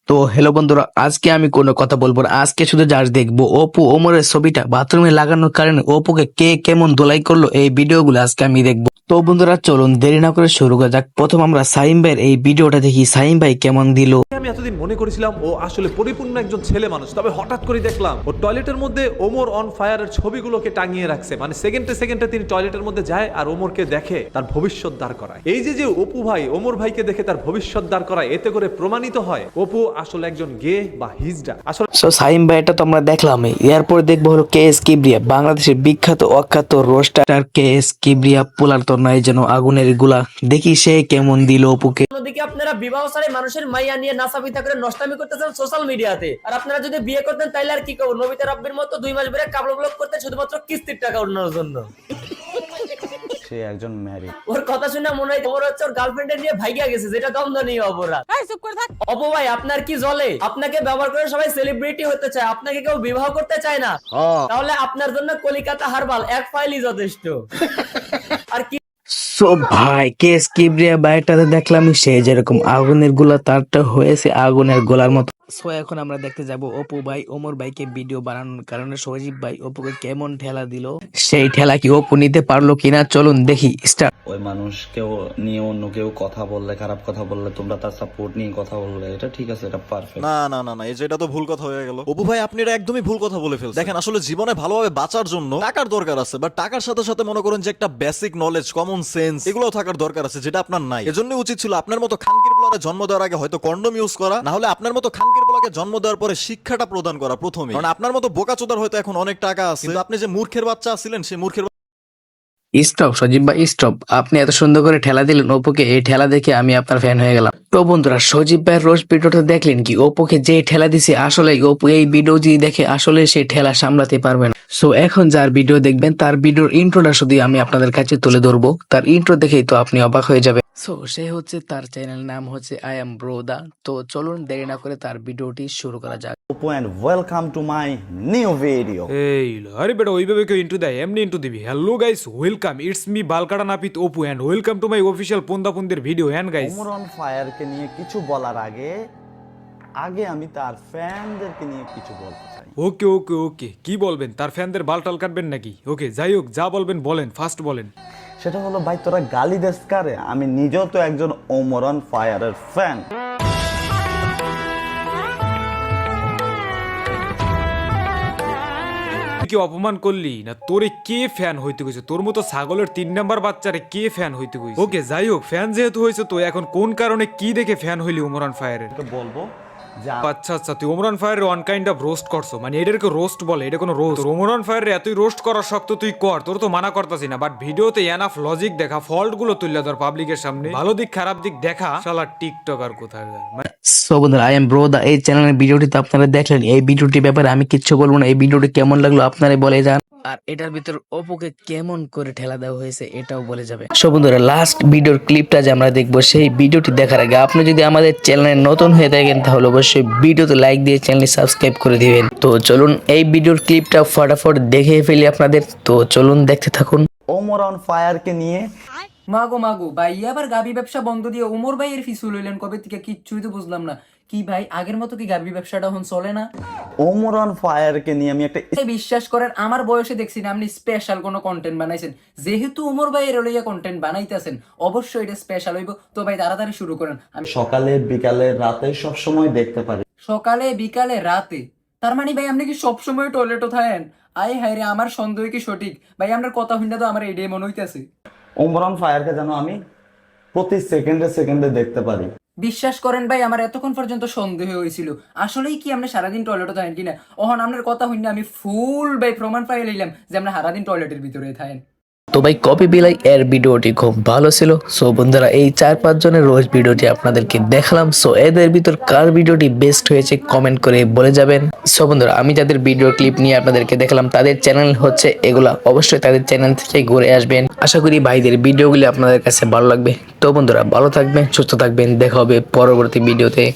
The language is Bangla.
তো হ্যালো বন্ধুরা, আজকে আমি কোনো কথা বলবো না। আজকে শুধু জাস্ট দেখবো অপু ওমরের ছবিটা বাথরুমে লাগানোর কারণে অপুকে কে কেমন ধোলাই করলো, এই ভিডিওগুলো আজকে আমি দেখবো। তো বন্ধুরা চলুন দেরি না করে শুরু করা যাক। প্রথম আমরা সাইম ভাইয়ের এই ভিডিওটা দেখি, সাইম ভাই কেমন দিল। আমি এতদিন মনে করেছিলাম ও আসলে পরিপূর্ণ একজন ছেলে মানুষ, তবে হঠাৎ করে দেখলাম ও টয়লেটের মধ্যে ওমর অন ফায়ারের ছবিগুলোকে টাঙিয়ে রাখছে। মানে সেকেন্ডে সেকেন্ডে তিনি টয়লেটের মধ্যে যায় আর ওমরকে দেখে তার ভবিষ্যৎ দাঁড় করায়। এই যে অপু ভাই ওমর ভাইকে দেখে তার ভবিষ্যৎ দাঁড় করায়, এতে করে প্রমাণিত হয় অপু আসলে একজন গে বা হিজড়া। আসলে সো সাইম ভাই এটা তো আমরা দেখলামই। এরপর দেখবো হলো কে এস কিবরিয়া, বাংলাদেশের বিখ্যাত অখ্যাত রোস্টার কে এস কিবরিয়া। পোলার তো নাই যেন আগুনের গুলা, দেখি সে কেমন দিল অপুকে। অন্যদিকে আপনারা বিবাহ সারে মানুষের মাইয়া নিয়ে নাসাবিতা করে নষ্টামি করতেছেন সোশ্যাল মিডিয়াতে। আর আপনারা যদি বিয়ে করতেন তাইলে আর কি করবো, নবিতা রাব্বির মতো 2 মাস ধরে কাপড় ব্লক করতে শুধুমাত্র কিস্তির টাকা উঠানোর জন্য। সে একজন ম্যারিড। ওর কথা শুনে মনে হয় ওর হচ্ছে ওর গার্লফ্রেন্ডে নিয়ে ভাইগা গেছে, যেটা দমদনীয় অপরাধ। চুপ করে থাক। অপু ভাই আপনার কি জ্বলে? আপনাকে ব্যবহার করে সবাই সেলিব্রিটি হতে চায়, আপনাকে কেউ বিবাহ করতে চায় না। তাহলে আপনার জন্য কলিকাতা হারবাল এক ফাইলই যথেষ্ট। আর কি সো ভাই কেস কিবরিয়া বাইটাতে দেখলাম সে যেরকম আগুনের গোলা, তারটা হয়েছে আগুনের গোলার মতো। সো এখন আমরা দেখতে যাব অপু ভাই ওমর ভাইকে ভিডিও বানানোর কারণে সজীব ভাই অপুকে কেমন ঠেলা দিল, সেই ঠেলা কি অপু নিতে পারলো কিনা চলুন দেখি স্টার্ট। ওই মানুষকেও নিয়ে অন্য কেউ কথা বললে, খারাপ কথা বললে, তোমরা তার সাপোর্ট নিয়ে কথা বললে, এটা ঠিক আছে, এটা পারফেক্ট। না না না না, এই যে এটা তো ভুল কথা হয়ে গেল। অপু ভাই আপনি এটা একদমই ভুল কথা বলে ফেলছেন। দেখেন আসলে জীবনে ভালোভাবে বাঁচার জন্য টাকার দরকার আছে, বাট টাকার সাথে সাথে মনে করেন যে একটা বেসিক নলেজ, কমন সেন্স, এগুলোও থাকার দরকার আছে, যেটা আপনার নাই। এজন্য উচিত ছিল আপনার মতো খানকির বলারে জন্ম দেওয়ার আগে হয়তো কন্ডম ইউজ করা, না হলে আপনার মতো খানকির বলাকে জন্ম দেওয়ার পরে শিক্ষাটা প্রদান করা প্রথমে। কারণ আপনার মতো বোকাচোদার হয়তো এখন অনেক টাকা আছে, কিন্তু আপনি যে মূর্খের বাচ্চা ছিলেন, সেই মূর্খের স্টপ সজীব ভাই স্টপ, আপনি এত সুন্দর করে ঠেলা দিলেন অপুকে, এই ঠেলা দেখে আমি আপনার ফ্যান হয়ে গেলাম। তো বন্ধুরা সজীব ভাইয়ের রোজ ভিডিওটা দেখলেন কি, অপুকে যে ঠেলা দিছে আসলে অপু এই ভিডিও যদি দেখে আসলে সেই ঠেলা সামলাতে পারবে না। সো এখন যার ভিডিও দেখবেন তার ভিডিওর ইন্ট্রোটা শুধু আমি আপনাদের কাছে তুলে ধরবো, তার ইন্ট্রো দেখেই তো আপনি অবাক হয়ে যাবে। সো সে হচ্ছে, তার চ্যানেল নাম হচ্ছে আই এম ব্রোদা। তো চলুন দেরি না করে তার ভিডিওটি শুরু করা যাক। Apu and welcome to my new video. এই আরে বেটা ওইভাবে কেউ ইন্টু দেয়, এমনি ইন্টু দিবি। Hello guys, welcome, it's me বালকাটা নাপিত Apu and welcome to my official পন্দাপন্দের ভিডিও। এন্ড গাইস ওমর অন ফায়ারকে নিয়ে কিছু বলার আগে আগে আমি তার ফ্যানদেরকে নিয়ে কিছু বলতে চাই। ওকে ওকে ওকে, কি বলবেন? তার ফ্যানদের বালটাল কাটবেন নাকি? ওকে যাই হোক, যা বলবেন বলেন, ফার্স্ট বলেন। সেটা হলো ভাই তোরা গালি দেস কারে? আমি নিজেও তো একজন ওমর অন ফায়ারের ফ্যান। তুই কি অপমান করলি না? তোরে কে ফ্যান হইতে কইছে? তোর মতো ছাগলের 3 নাম্বার বাচ্চারে কে ফ্যান হইতে কইছে? ওকে যাই হোক, ফ্যান যেহেতু হইছে তো এখন কোন কারণে কি দেখে ফ্যান হইলি ওমরান ফায়ারের? বলবো যে আচ্ছা আচ্ছা, তুই ওমরান ফায়ারের ওয়ান কাইন্ড অফ রোস্ট করছো, মানে এটাকে রোস্ট বলে, এটা কোনো রোস্ট? ওমরান ফায়ারের এতই রোস্ট করার শক্ত তুই কর, তোর তো মানা করতাছি না, বাট ভিডিওতে এনাফ লজিক দেখা, ফল্ট গুলো তুললে ধর পাবলিকের সামনে, ভালো দিক খারাপ দিক দেখা, শালা টিকটকার কোথায়। সো বন্ধুরা আই এম ব্রোদা এই চ্যানেলের ভিডিওটি তো আপনারা দেখলেন, এই ভিডিওটির ব্যাপারে আমি কিচ্ছু বলবো না। এই ভিডিওটি কেমন লাগলো আপনারা বলে যান, আর এটার ভিতর অপুকে কেমন করে ঠেলা দেওয়া হয়েছে এটাও বলে যাবে। সো বন্ধুরা লাস্ট ভিডিওর ক্লিপটা যে আমরা দেখবো, সেই ভিডিওটি দেখার আগে আপনি যদি আমাদের চ্যানেলে নতুন হয়ে থাকেন তাহলে অবশ্যই ভিডিওতে লাইক দিয়ে চ্যানেলটি সাবস্ক্রাইব করে দিবেন। তো চলুন এই ভিডিওর ক্লিপটা ফটাফট দেখে ফেলি আপনাদের, তো চলুন দেখতে থাকুন। ওমর অন ফায়ারকে নিয়ে মাগো মাগো ভাই, আবার গাবি ব্যবসা বন্ধ দিয়ে ওমর ভাই এর ফিসুল হইলেন কবে থেকে? কিচ্ছুই তো বুঝলাম না। কি ভাই আগের মতো কি গাবি ব্যবসাটা এখন চলে না? ওমর অন ফায়ারকে নিয়ে আমি একটা বিশ্বাস করেন আমার বয়সে দেখছি না আপনি স্পেশাল কোনো কন্টেন্ট বানাইছেন। যেহেতু ওমর ভাই এর লইয়া কন্টেন্ট বানাইতেছেন, অবশ্যই এটা স্পেশাল হইব। তো ভাই তাড়াতাড়ি শুরু করেন। আমি সকালে বিকালে রাতে সব সময় দেখতে পারি। সকালে বিকালে রাতে, তার মানে ভাই আপনি কি সবসময় টয়লেটও থাকেন? আয় হায় রে, আমার সন্দেহ কি সঠিক? ভাই আপনার কথা শুনলে তো আমার এটাই মনে হইতেছে। ওমর অন ফায়ারকে যেন আমি প্রতি সেকেন্ডে সেকেন্ডে দেখতে পারি। বিশ্বাস করেন ভাই আমার এতক্ষণ পর্যন্ত সন্দেহ হয়েছিল আসলেই কি আপনি সারাদিন টয়লেটে থাকেন কিনা। ওহন আপনার কথা শুনে আমি ফুল ভাই প্রমাণ পাই লইলাম যে আপনি সারাদিন টয়লেটের ভিতরে থাকেন। তো ভাই কপি বিলাই এর ভিডিওটি খুব ভালো ছিল। সো বন্ধুরা এই 4-5 জনের রোজ ভিডিওটি আপনাদেরকে দেখালাম। সো এদের ভিতর কার ভিডিওটি বেস্ট হয়েছে কমেন্ট করে বলে যাবেন। সো বন্ধুরা আমি যাদের ভিডিও ক্লিপ নিয়ে আপনাদেরকে দেখালাম তাদের চ্যানেল হচ্ছে এগুলা, অবশ্যই তাদের চ্যানেল থেকে ঘুরে আসবেন। আশা করি ভাইদের ভিডিওগুলি আপনাদের কাছে ভালো লাগবে। তো বন্ধুরা ভালো থাকবেন, সুস্থ থাকবেন, দেখা হবে পরবর্তী ভিডিওতে।